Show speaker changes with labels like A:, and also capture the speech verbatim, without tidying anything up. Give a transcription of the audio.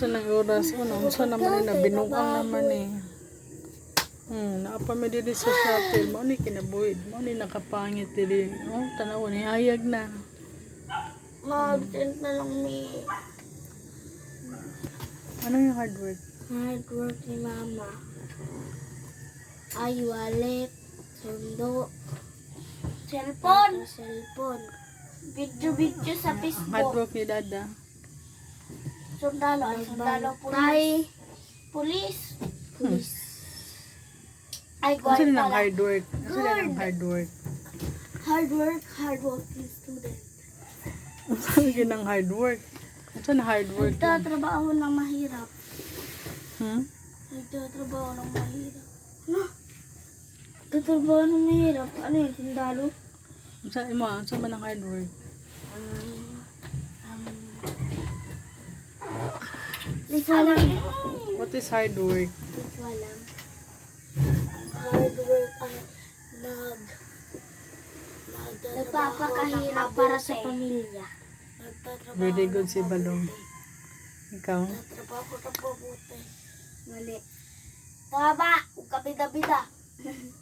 A: Sa nang oras mo, unsa naman ni binuang naman eh. Hmm, naapa mi diri sa shuttle mo ni kinabuhid mo ni nakapangit diri. Oh, tanaw ni hayag na.
B: Mag-send na lang ni
A: Ano yung hard work?
B: hard work ni mama. Ay, wallet, sundo, cellphone, cellphone, video-video sa
A: Hard
B: Facebook.
A: work ni dada.
B: Sundalo, ay sundalo, pulis. Pulis. Pulis. Ay,
A: Ano sila ng
B: pala.
A: hard work? Ano sila ng
B: Good.
A: hard work?
B: Hard work, hard working student.
A: Ano sila ng hard work? Ano sila hard work?
B: Nagtatrabaho ng mahirap.
A: Hmm?
B: Nagtatrabaho ng mahirap. Ano? Nagtatrabaho ng mahirap. Ano yun, sundalo?
A: Ano sa mo? Ano sa man ang hard work?
B: Um, um, Di ko alam.
A: What is hard work?
B: Di ko alam. Hard work ay nag nagpapakahirap para sa pamilya. Nagtatrabaho
A: Very good
B: ng
A: si Balong.
B: mabuti.
A: Ikaw?
B: Nagtatrabaho ng mabuti. Mali. Tama, huwag ka bida-bida.